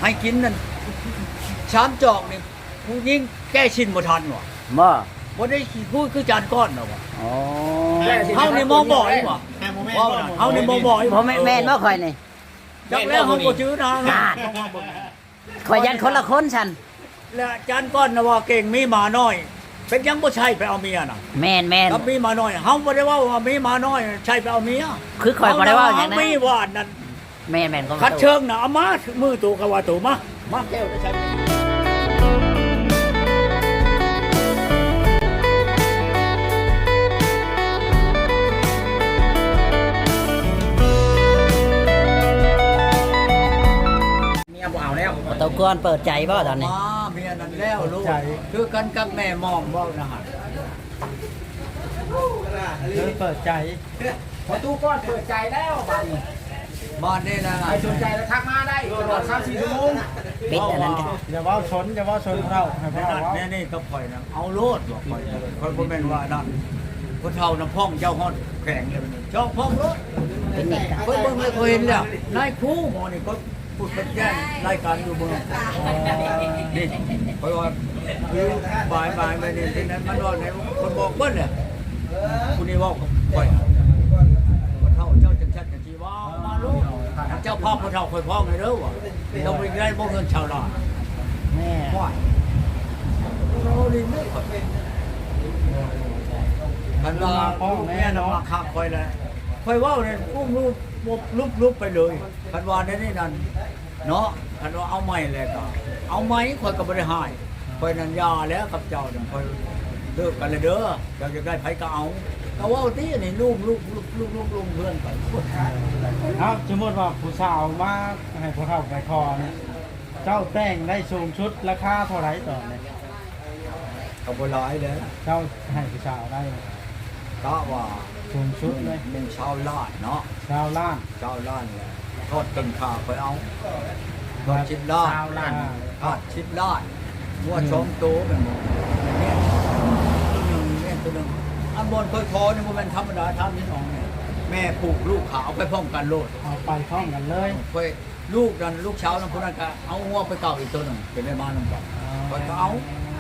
ให้กินนั่นชามจอกนี่ผู้ยิ่งแก้ชินบ่ทันว่ะบ่บ่ได้พูดคือจานก้อนเนาะว่ะอ๋อเฮานี่มองบ่อยว่ะว่าเฮานี่มองบ่อยบ่แม่นบ่ข่อยนี่จักแล้วเฮาบ่จื้อนะข่อยยันคนละคนฉันแล้วจานก้อนน่ะว่าเก่งมีหมาน้อย เป็นยังบ่ใช่ไปเอาเมียน่ะแม่นกับมีหมาน้อยเฮาบ่ได้ว่ามีหมาน้อยใช่ไปเอาเมียคือข่อยบ่ได้ว่าอย่างนั้นมีว่านั่นแม่นก็คัดเชิงน่ะเอามามือตู่ก็ว่าตู่มาแก้วจะใช้ตะกอนเปิดใจบ่ตอนนี้มาเมียนั่นแล้วลูกคือกันกับแม่มอมเว้านะฮะเปิดใจพอตู้ก้อนเปิดใจแล้วบ้านนี้บ้านนี่นะใครสนใจแล้วทักมาได้ตลอด3-4 ชั่วโมงปิดอันนั้นกันอย่าว่าชนเราให้พวกเราแม่นี่ก็ปล่อยนะเอาโลดบอกปล่อยคนบ่แม่นว่านั่นคนเฒ่าน้ำพ่องเจ้าฮอดแข็งเลยเจ้าพ่องรถเป็นนี่กันเพิ่นเบิ่งเลยเขาเห็นแล้วนายครูหมอนี่ก็พูดเป็นแจ้งรายการอยู่เมืองนี่เพราะว่าคือบ่ายไปนี่ที่นั้นมันว่าไหนคนบอกเบิ้ลเนี่ยคุณนี่ว่าปล่อยคนเฒ่าเจ้าจังชัดจังชีว่ามาลูกเจ้าพ่อคนเฒ่าคอยพ่อไงเด้อวะต้องไปได้บ่เงินชาวนาแม่ว่าเราลินไม่ค่อยคันว่าพ่อแม่น้องข้าคอยแล้วคอยว่าเนี่ยอุ้มรูปไปเลยคันว่าในนี่นั่นเนาะคันว่าเอาไม้เลยก็เอาไม้คอยก็บ่ได้หายคอยนันยาแล้วกับเจ้าเนี่ยคอยเลิกกันเลยเด้อเจ้าจะได้ไผก็เอาก็ว่าที่นี่ลูกเพื่อนกันครับสมมติว่าผู้สาวมาให้พวกเราไปคอเนี่ยเจ้าแต่งได้สูงชุดราคาเท่าไหร่ต่อเนี่ยเขาบ่ร้ายเลยเจ้าให้ผู้สาวได้ก็ว่าสูงชุดเลยเป็นชาวลาดเนาะชาวล้านชาวลาดเลยทอดตึงขาไปเอาทอดชิ้นลาด ทอดชิ้นลาดวัวชมโตเป็นหมดเนี่ยตัวหนึ่งอันบนค่อยคอเนี่ยมันธรรมดาทำนี่น้องเนี่ยแม่ผูกลูกขาวไปพร้อมกันโลดเอาไปพร้อมกันเลยไปลูกนั้นลูกเช้านั้นพวกนั้นก็เอาหัวไปเก่าอีกตัวหนึ่งเป็นได้มาหนึ่งก่อนก็เอา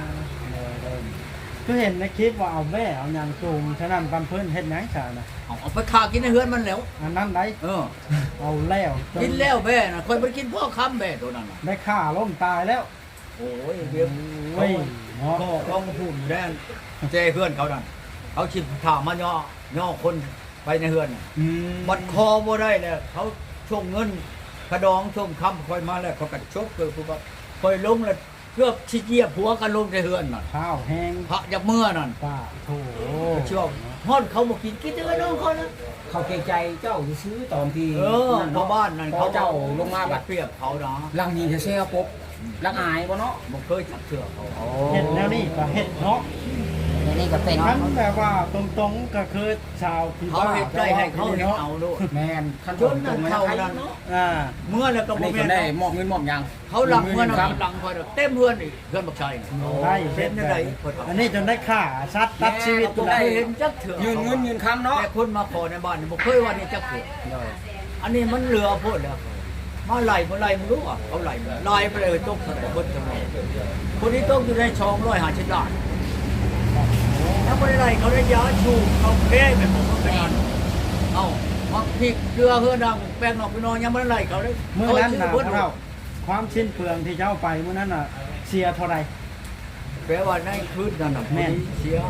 คือเห็นในคลิปว่าเอาแม่เอาอย่างจูงฉะนั้นปันเพิ่นเฮ็ดหยังซะนะเอาไปฆ่ากินในเฮือนมันแล้วอันนั้นได้เออเอาแล้วจกินแล้วแม่น่ะคอยไปกินพ่อค้ำแม่ตัวนั้นน่ะได้ฆ่าล้มตายแล้วโอ้ยเดี๋ยวเว้ยเนาะพ่อเขาพูดอยู่แน่เจ้เพื่อนเขานั่นเขาชิบถามมาย่อคนไปในเฮือนน่ะ บัดคอบ่ได้แล้วเขาช่วงเงินกระดองช่วงคำคอยมาแล้วเขากัดชกเกิดผู้ว่าคอยลงแล้วเกือบชิเจียผัวกันลงในเฮือนน่ะข้าวแห้งพระยับเมื่อนั่นป้าโถเชื่อฮอดเขาบอกกินเด้อน้องเขานะเขาเกรงใจเจ้าซื้อตอนที่เออชาวบ้านนั่นเขาเจ้าลงมาบัดเปรียบเขานะลังนี้เซ่ปุ๊บลังอายบ่เนาะบ่เคยจับเชือกเขาเห็ดแล้วนี่ก็เห็ดเนาะอันนี้ก็เป็นมันแบบว่าตรงๆก็คือชาวพี่เขาบ้าเห็นใจให้เขาเห็นเอาโลดแมนขั้นจตอนนตรนั่งนเลยเขาไทยนั่นเนาะอ่าเมื่อแล้วก็อันบ่นี้แม่ก็นได้มอบเงินมอบยังเขาหลังเมื่อนั้นครับหลังคอยเต็มเพื่อนอีกเพื่อนบักชัยได้เห็นได้อันนี้จนได้ฆ่าชัดตัดชีวิตบ่ได้เคยเห็นจักเถื่อยืนเงินยืนคำเนาะแต่คนมาขอในบ้านนี่บ่เคยว่านี่จักเถื่ออันนี้มันเหลือโพดแล้วมาไล่บ่ไล่มึงรู้อ่ะเขาไล่ไล่ไปเลยตกทั้งหมดทั้งหมดคนนี้ตกอยู่ในช่อง150ล้านแล้วบ่ได้ไล่เขาได้ยาชูเขาแพ้ไปหมดเป็นอันเอ้ามักพริกเกลือเฮือดังแป้งนอกไปนอนยังบ่ได้ไล่เขาเลยเมื่อนั้นน่ะเพิ่นเราความสิ้นเปลืองที่เจ้าไปเมื่อนั้นน่ะเสียเท่าไหร่แปลว่าในคืนนั้นน่ะแม่นเสีย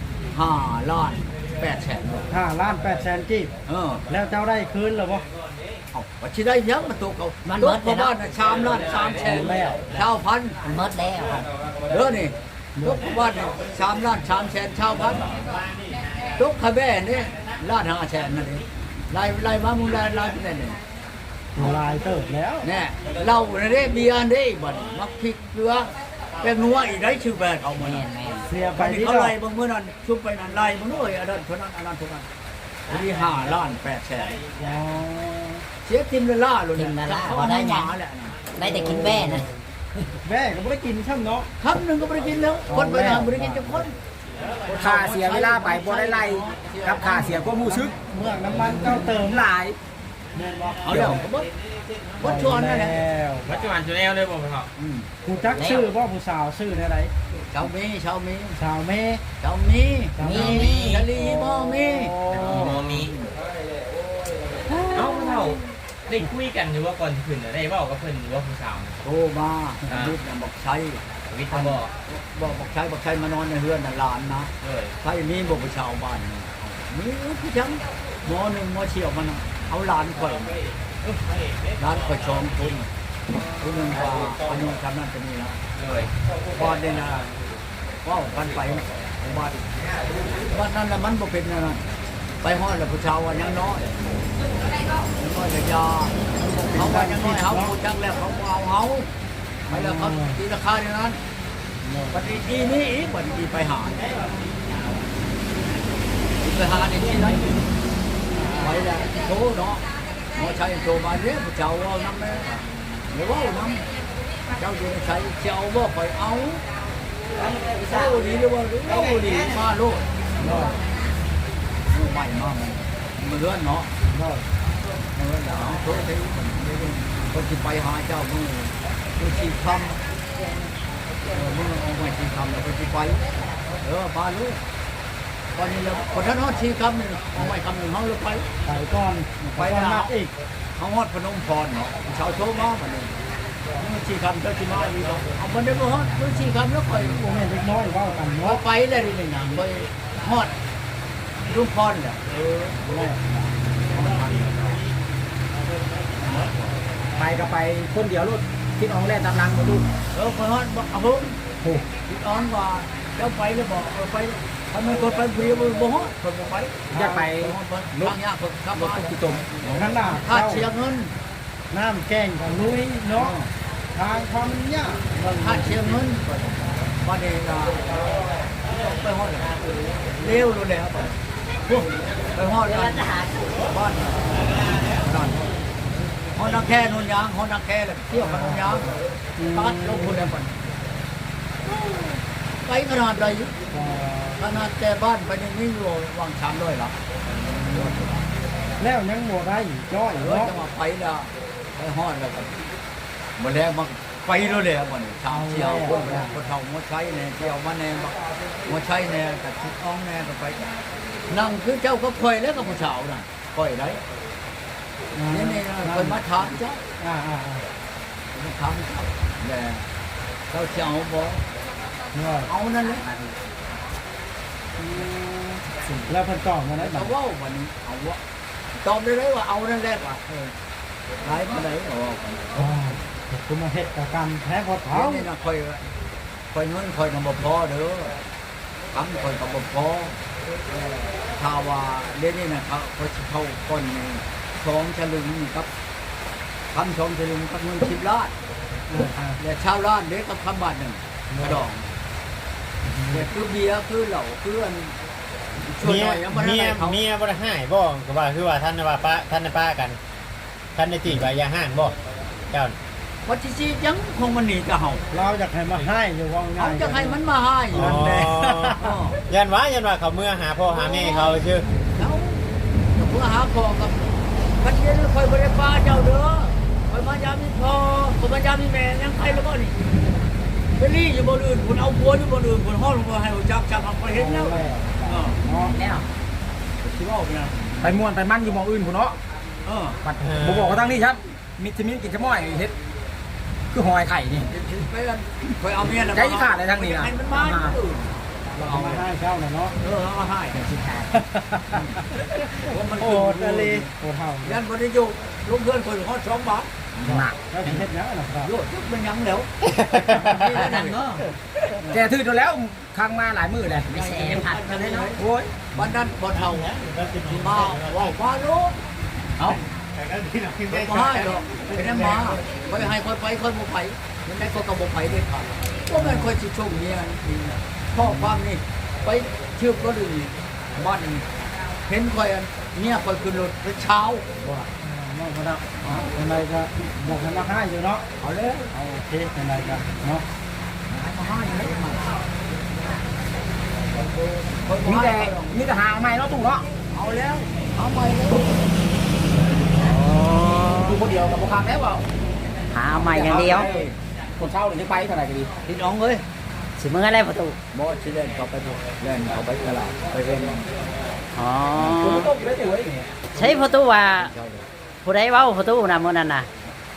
5ล้าน8แสน 5 ล้าน8 แสนกีบเออแล้วเจ้าได้คืนหรือเปล่าเอาว่าสิได้ยังมาตกเอาตกเพราะว่าน่ะชามล้าน3แสนแล้วชาวพันมันหมดแล้วเด้อนี่ตกเพราะว่านี่3ล้าน3แสนชาวพันตกขะแบ่นี่ล้าน5แสนนั่นเองไล่มามึงไล่เป็นนั่นนี่ลายเติบแล้วแน่เหล้านี่เด้เบียร์นี่บัดมักพริกเกลือแป้งนัวอีกได้ชื่อแบรนด์เขามาแม่นั่นนแม่นเสียไปบัดนี้ที่เขาเราไล่เบิ่งมื้อนั้นชุบไปนั่นไล่เบิ่งด้วยอันนั้นเท่านั้นอันนั้นเท่านั้นอันนี้5ล้าน8แสนอ๋อเสียทิมละล่าเลยทิมละล่าเขาบ่ได้หยังหมาแหละนะได้แต่กินแม่นะแม่ก็ไม่ได้กินช่ำเนาะคำหนึ่งก็ไม่ได้กินแล้ว คนไปทางไม่ได้กินจะคนค่าเสียเวลาไปบ่ได้ไล่กับค่าเสียความรู้สึกเมื่อน้ำมันเจ้าเติมหลายแม่นบ่เอาเดี๋ยวก็บ่วัดชวนนั่นแหละปัจจุบันจุแนวเลยบ่พ่อเฒ่าผู้จักชื่อบ่ผู้สาวชื่อได้ไรชาวมีชาวมีสาวเมชาวมีชะลีบ่มีบ่มีเอ้าพ่อเฒ่าได้คุยกันอยู่ว่าก่อนสิขึ้นน่ะได้เว้ากับเพิ่นอยู่ว่าผู้สาวโทรมาลูกบอกใช้วิทย์บ่บอกใช้มานอนในเรือนหลานนะเลยใช้มีบอกชาวบ้านมีผู้ชังหมอหนึ่งหมอเชี่ยวมันเอาหลานข่อยหลานข่อยชองคนคนหนึ่งว่าอันนี้ทำนั่นจะมีนะเลยบ้านเนี่ยนะว่ากันไปบ้านนั้นน่ะมันบ่เป็นนะนะไปห้อยแล้วผู้ชาวว่ายังน้อยยังน้อยแต่ยาเขาว่ายังน้อยเขาผู้จังแล้วเขาเอาเขาไปแล้วเขาตีราคาเท่านั้นปฏิทีนี้อีกปฏิทีไปหาในที่ไหนไปแล้วโทเนาะหมอชัยโทมาเรียกผู้ชาวว่าน้ำแม่หรือว่าน้ำเจ้าอยู่ในใช้เจ้าบ่คอยเอาเจ้าดีหรือว่าเจ้าดีมาโลดใหม่มากมันเลื่อนเนาะเลื่อนแล้วโทษที่คนที่ไปหาเจ้ามือชีคำมือเอาไว้ชีคำแล้วคนที่ไปพาลูกตอนนี้เราคนท่านฮอดชีคำนี่เอาไว้คำหนึ่งเขาเลยไปไปก่อนไปนัดอีกเขาฮอดพนมพรเนาะชาวโชว์มาเหมือนมือชีคำเจ้าชีมาอีกเนาะเอามันได้บ่ฮอดมือชีคำแล้วไปโมเมนต์เล็กน้อยเว้ากันพอเนาะไปเลยนี่นะไปฮอดรุ่งพรเนี่ยแม่ไปก็ไปคนเดียวรถคิดอองแล่นตามหลังบ่ดูไปฮอดบอกเอาพุ่งพี่อ้อนว่าเจ้าไปแล้วบอกไปทำไมคนไปเปรียวบ่ฮอดคนบ่ไปอยากไปรถเนี่ยคนขับรมาถตุ๊กตุ่มขนาดค่าเจ้าเสียเงินน้ำแกงกับลุยเนาะทางความยากค่าเสียเงินมาเดี๋ยวไปฮอดเร็วเลยครับพวกไปฮอดบ้านนั่นฮอดนักแค่นนยางฮอดนักแค่เลยเที่ยวกันนนยางตัดลงคนเดียวกันไปขนาดใดขนาดแต่บ้านไปนี่ไม่รู้วางช้ำด้วยหรอแล้วยังโมได้จ้อยเนาะเนาะจะมาไปแล้วไปฮอดแล้วกันมาแล้วมาไปแล้วเลยมันชาวเที่ยวคนเฒ่ามาใช้เนี่ยเที่ยวมาแน่มาใช้แน่กับชิดอ้องแน่ก็ไปนั่งคือเจ้าก็คอยแล้วกับผู้สาวน่ะคอยได้นี่คนมาถามเจ้า มาถามเจ้าแต่เจ้าเจ้าบอกเนาะเอานั่นแหละแล้วเพิ่นตอบมาได้บัเอาดว่าวันนี้เอาว่าตอบได้เลยว่าเอานั่นแหละว่ะไรมาไหนเอาคุณมาเฮ็ดกับกันแท้พอเท้านี่นะคอยเงินคอยนำบ่พอเด้อคำคอยกับบ่พอถ้าว่าเดี๋ยวนี้นะเขาเขาก้อนนี่2 ฉลึงกับ2 ฉลึงกับเงิน10 ล้านแต่ชาวล้านเด็กกับคำบาทหนึ่งกระดองแต่คือเบียร์คือเหล้าคืออันช่วยเมีหยน่อยยังบ่ได้เมียเขาเมียบ่ได้ให้บ่ก็ว่าคือว่าท่านน่ะว่าป้าท่านน่ะป้ากันท่านได้ตีว่าอย่าห้างบ่เจ้าวัดที่ยังคงมันหนีกับเฮาเราอยากให้มาให้อยู่ว่าง่าเขายจะให้มันมาให้อ๋อนั่นแหละยันว่าเขาเมื่อหาพ่อหาแม่เขาชื่อแล้วเพื่อหาของกับพันเย็นคอยบริฟ้าเจ้าเด้อคอยมายามีพ่อคอยมายามีแม่ยังใครแล้วก็นี่ไปรีอยู่บนอื่นคุณเอาบัวอยู่บนอื่นคุณห้องลงมาให้จับเอาไปเห็นแล้วเนาะแล้วคิดว่าเนี่ยไปม่วนไปมั่นอยู่หมองอื่นพุ่นเนาะ ปัดบ่บอกว่าทั้งนี้ครับมิตรมิตรกินจะม้อยเฮ็ดคือหอยไข่นี่ไปกันคอยเอาเมียนะใจขาดเลยทางนี้นะให้มันมาเราเอามาให้เจ้าน่ะเนาะเอามาให้มันโอ้ทะเลโอ้เท่ายันบริยุลูกเพื่อนคนเขา2 บาทหนักแล้วสิเฮ็ดหยังน่ะครับโลดยุบเป็นยังแล้วนั่นเนาะแกถือจนแล้วค้างมาหลายมื้อเลยไม่แซ่ผัดกันเลยเนาะโอ้ยวันนั้นบ่เท่าที่มาว่าโลดเอามาให้หรอกเป็นน้ำมาคอยให้คอยไปคอยบ่ไปยังไงก็บ่ไปเด็ดขาดก็แม่นคอยสิชงเมียนี่พ่อความนี่ไปเชื่อก็ดึงบ้านเห็นคอยเมียคอยขึ้นรถเช้าว่าเนาะบ่ได้เป็นไรก็อยากให้มาให้อยู่เนาะเอาเลยเอาโอเคเป็นไรก็เนาะมาให้เลยมีแต่หาเอาไม้เนาะตู่เนาะเอาแล้วเอาไปเลยอ๋ออยู่คนเดียวกับบ่คักแล้วว่าหาเอาใหม่อย่างเดียวคนเช่านี่ไปเท่าไหร่ก็ดีพี่น้องเอ้ยสิมื้ออะไรประตูบ่สิเล่นเขาไปเล่นเขาไปตลาดไปเล่นอ๋อคุณต้มได้ตัวเองใช้ประตูว่าผู้ใดเว้าประตูน่ะมื้อนั้นน่ะ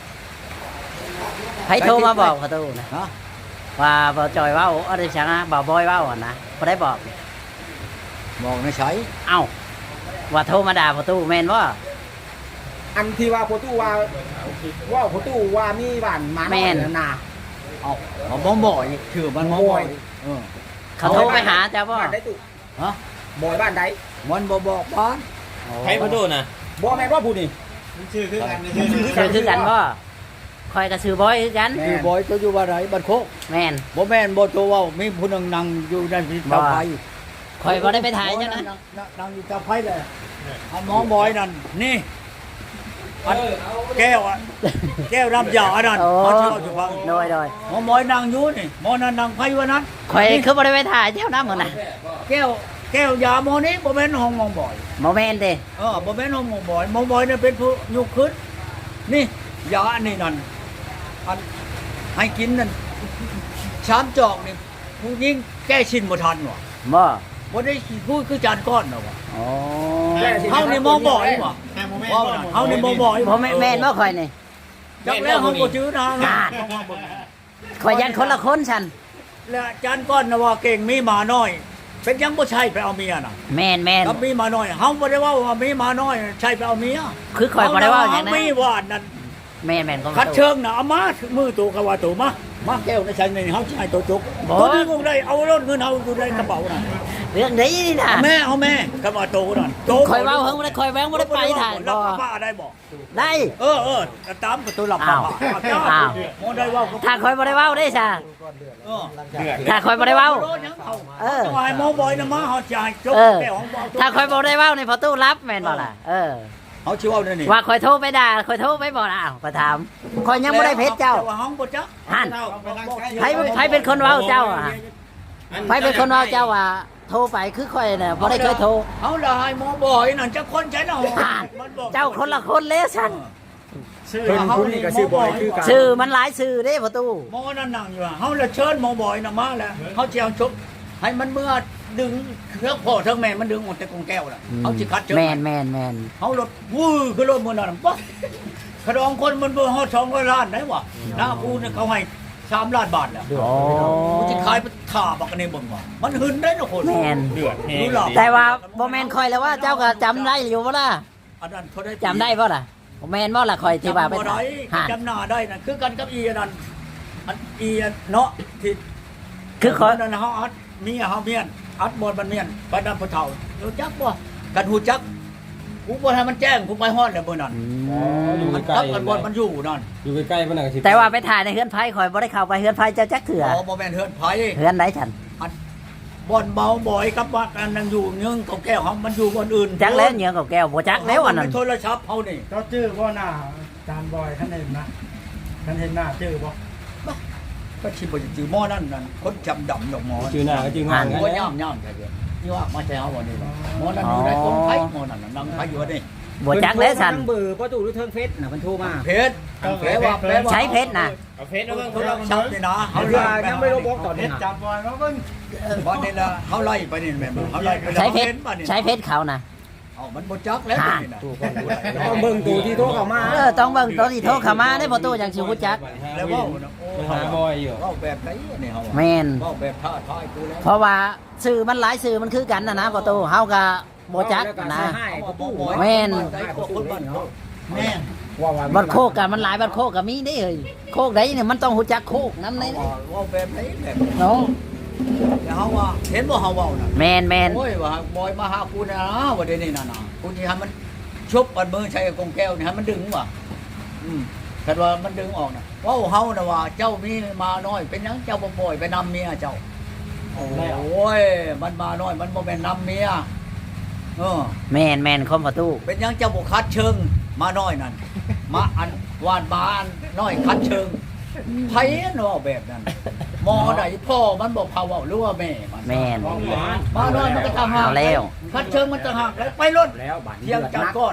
ใครโทรมาบอกประตูนะฮะว่าบ่จอยเว้าอะไรจังอ่ะบ่บอยเว้าอ่ะนะผู้ใดบอกบอกในใช้เอ้าว่าโทรมาด่าประตูแม่นบ่อันที่ว่าโพตู้ว่าโพตู้ว่ามีบ้านหมาน้อยน่ะนะเอาเอาบ่บ่อยชื่อมันบ่บ่อยเออเขาโทรไปหาเจ้าบ่บ้านใดตู้ฮะบ่อยบ้านใดมันบ่บอกบ้านใครมาดูนะบ่แม่นว่าผู้นี่ชื่อคือกันชื่อคือกันบ่คอยก็ชื่อบอยคือกันคือบอยตัวอยู่ว่าไหนบ้านโคกแม่นบ่แม่นบ่ตัวเว้ามีผู้นึงนั่งอยู่ในที่เตาไฟคอยบ่ได้ไปถ่ายเจ้านะนั่งอยู่เตาไฟเลยอันหมอบอยนั่นนี่อันแก้วอ่ะแก้วรับยาอันนั้นโอ้เขาสิเอาสิฟังโดยหมอบอยนั่งอยู่นี่หมอนั่นนั่งไฟวันนั้นคอยคือบ่ได้ไปถ่ายเจ้านะมื้อน่ะแก้วยาหมอนี้บ่แม่นห้องหมอบ่อยบ่แม่นเด้บ่แม่นห้องหมอบ่อยหมอบ่อยนี่เป็นผู้ยุกขึ้นนี่ยาอันนี้นั่นอันให้กินนั่นชามจอกนี่ผู้ยิงแก้ชินบ่ทันว่ะบ่บ่ได้พูดคือจานก้อนน่ะว่ะอ๋อเฮานี่หมอบ่อยว่ะว่าเฮานี่หมอบ่อยบ่แม่นแม่นบ่คอยนี่จักแล้วเฮาบ่จื้อนะอ่า คอยยันคนละคนฉันแล้วจานก้อนน่ะว่าเก่งมีหมาน้อย เป็นยังบ่ใช่ไปเอาเมียน่ะแม่นแม่นกับมีหมาน้อยเฮาบ่ได้ว่าว่ามีหมาน้อยใช่ไปเอาเมียคือคอยบ่ได้เว่าอย่างนั้นมีวาดนั่นแม่นแม่นก็คัดเชิงน่ะเอามามือตัวก็ว่าตัวมาแก้วในชั้นนี่เฮาสิให้ตัวจุกตัวนี้กูได้เอารถเงินเฮาอยู่ในกระเป๋าน่ะเรื่องนี้นี่นะเอาแม่ก็ว่าโตนั่นโตคอยเว้าเฮิงบ่ได้คอยแว้งบ่ได้ไปถ่ายรับ่บป้าได้บ่ได้ตามประตูหลับอ้าวอ้าวบ่ได้เว้าถ้าคอยบ่ได้เว้าได้ซะเออถ้าคอยบ่ได้เว้าเออให้หมอบอยน่ะมาเฮาสิให้จกเออแก้วของบ่ถ้าคอยบ่ได้เว้าในพอตู้รับแม่นบ่ล่ะเฮาสิเว้านี่ว่าคอยโทรไปด่าคอยโทรไปบ่ล่ะอ้าวก็ถามคอยยังบ่ได้เพชรเจ้าว่าห้องบ่จ๊ะหั่นไผเป็นคนเว้าเจ้าอ่ะไผเป็นคนเว้าเจ้าว่าโทรไปคือคอยน่ะบ่ได้เคยโทรเฮาละให้หมอบอยนั่นจักคนใช้ละห้องอ่านเจ้าคนละคนเลยฉันเพิ่นผู้นี้ก็ชื่อบ่อยคือกันชื่อมันหลายชื่อเด้ประตูหมอนั่นนั่งอยู่เฮาละเชิญหมอบอยน่ะมาแล้วเฮาสิเอาชกให้มันเมื่อดึงเครื่องพ่อทั้งแม่มันดึงออกจากกรงแก้วน่ะเฮาสิคัดเชิญแมนเฮารถวื้อคือรถมื้อนั้นปั๊บขดองคนมันบ่ฮอด200ล้านได้วะหน้ากูเนี่ยเขาให้3ล้านบาทแล้วโอ้กูสิขายไปท่าบักอันนี้เบิ่งว่ามันหึนได้เนาะคนแมนเดือดแห้รู้งหรอแต่ว่าบ่แมนคอยแล้วว่าเจ้าก็จำได้อยู่บ่ล่ะอันนั้นเขาได้จำได้บ่ล่ะบ่แมนบ่ล่ะคอยที่ว่าไปจำบ่ได้หาจำหน้าได้นั่นคือกันกับอีอันนั้นอันอีอันเนาะที่คือคอยนั่นเฮาอัดเมียเฮาเมียนอัดหมดมันเมียนไปนำผู้เฒ่ารู้จักบ่กันฮู้จักกูบ่ให้มันแจ้งกูไปฮอดแล้วมื้อนั้นอยู่มันใกล้กับกันบ่มันอยู่นั่นอยู่ใกล้ๆมันน่ะสิแต่ว่าไปถ่ายในเฮือนไผคอยบ่ได้เข้าไปเฮือนไผเจ้าจักเถื่ออ๋อบ่แม่นเฮือนไผเฮือนไหนฉันบ่อนเมาบ่อยกับว่ากันนั่งอยู่ยึงกับแก้วเฮามันอยู่บ่อนอื่นจักแล้วเหนียวกับแก้วบ่จักแล้วอันนั้นโทรศัพท์เฮานี่เจ้าชื่อบ่หน้าจานบอยท่านเห็นนะท่านเห็นหน้าชื่อบ่ก็สิบ่จือหม้อนั่นนั่นคนจำดำดอกหมอชื่อหน้าก็จริงหัห่างนกันบ่ย่ำๆแท้เด้นี่ว่ามาใช้เฮาบ่นี่หมอนั่นอยู่ในคนไผหมอนั่นน่ะนั่งไผอยู่นี่บ่จักแล้วฉันเบอร์ประตูหรือเทิงเฟซน่ะมันโทรมาเพชรแปลว่าใช้เพชรน่ะเอาเฟซเอาเบิ่งโทโทรรศัศัพพท์ท์นี่นะเอาเรือยังไม่ลบล็อกตอนนี้จับบ่อยมาเบิ่งบ่นี่ล่ะเฮาไล่ไปนี่แม่นบ่เฮาไล่ไปใช้เพชรบ่นี่ใช้เพชรเขาน่ะเอามันบ่จักแล้วนี่น่ะต้องเบิ่งตัวที่โทรเข้ามาต้องเบิ่งตัวที่โทรเข้ามาได้ประตูจังสิฮู้จักแล้วเว้าน่ะโอ้ไปหาบอยอยู่เว้าแบบไหนนี่เฮาแม่นเว้าแบบท้าทายกูแล้วเพราะว่าสื่อมันหลายสื่อมันคือกันนะประตูเฮาก็บ่จักนะ แม่นแม่นบัดโคกกันมันหลายบัดโคกก็มีได้เอ้ยโคกใดเนี่ยมันต้องฮู้จักโคกนำได้ว่าแบบไหนแบบเนาะแล้วเฮาว่าเห็นบ่เฮาเว้าน่ะแม่นโอ้ยว่าบอยมาหากูนะว่าเดี๋ยวนี้น่ะนะกูสิให้มันชุบกันมือใช้กงแก้วนี่ให้มันดึงว่ะคันว่ามันดึงออกน่ะเว้าเฮาน่ะว่าเจ้ามีมาน้อยเป็นหยังเจ้าบ่ปล่อยไปนำเมียเจ้าโอ้ยมันมาน้อยมันบ่แม่นนำเมียแม่นคอมประตูเป็นหยังเจ้าบ่คัดเชิงมาน้อยนั่นมาอันวานมาอันน้อยคัดเชิงไผเนาะแบบนั้นหมอใดพ่อมันบ่พาเว้าหรือว่าแม่มันแม่นมาน้อยมันก็ต่างหากเอาแล้วคัดเชิงมันต่างหากแล้วไปรถแล้วบัตรเที่ยงจัดก้อน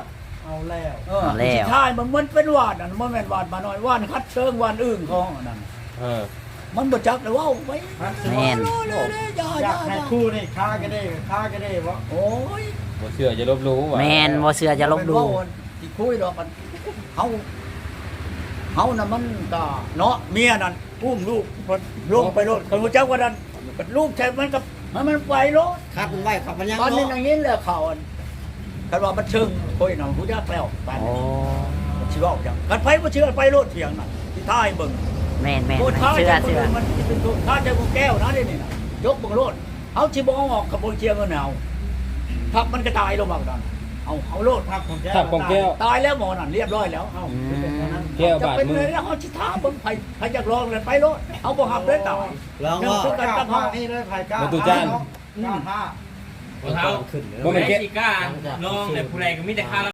เอาแล้วเอาแล้วสุดท้ายมันเป็นวาดมันแม่นวาดมาน้อยวาดคัดเชิงวาดอื่นของนั่น มันบ่จักเลยว่าไว้แม่นอยากให้คู่นี่ค้าก็ได้บ่โอ้ยบ่เชื่อจะลบหลู่ว่ะแม่นบ่เชื่อจะลบดูที่คุยดอกกันเฮาน่ะมันก็เนาะเมียนั่นอุ้มลูกลงไปรถคนบ่จักว่านั่นลูกใช่มันกับมันไปรถคัดมันไว้ขับมันยังตอนนี้เนาะอย่างนี้แหละเขาคันว่ามันเชิงคุยน่ะผู้จักแล้วไปโอ้สิเว้าจังกันไผบ่เชื่อไปรถเถียงน่ะที่ท้ายเบิ่งแม่นแม่นโคตรท้ายเชื่อเชื่อมันเป็นตัวท้ายใจกูแก้วนะนี่น่ะยกเบิ่งรถเอาสิบ่เอาออกกับบ่เชียร์เงินเอาพักมันก็ตายลงมาดันเอาโลดภาพของแก้วทับของแก้วตายแล้วหมอนั่นเรียบร้อยแล้วเอาแก้วจะบาดเป็นมืเลอยแล้วเขาชิท้าเบิ่งใครอยากลองเลยไปโลดเอาบ่หับเลยตายลองว่าคือกันกับเฮานี่เลยไผ่ก้าประตูจานก้าผ้าบ่เท้าบ่แม่นสิกล้าน้องแต่ผู้ใดก็มีแต่ค่า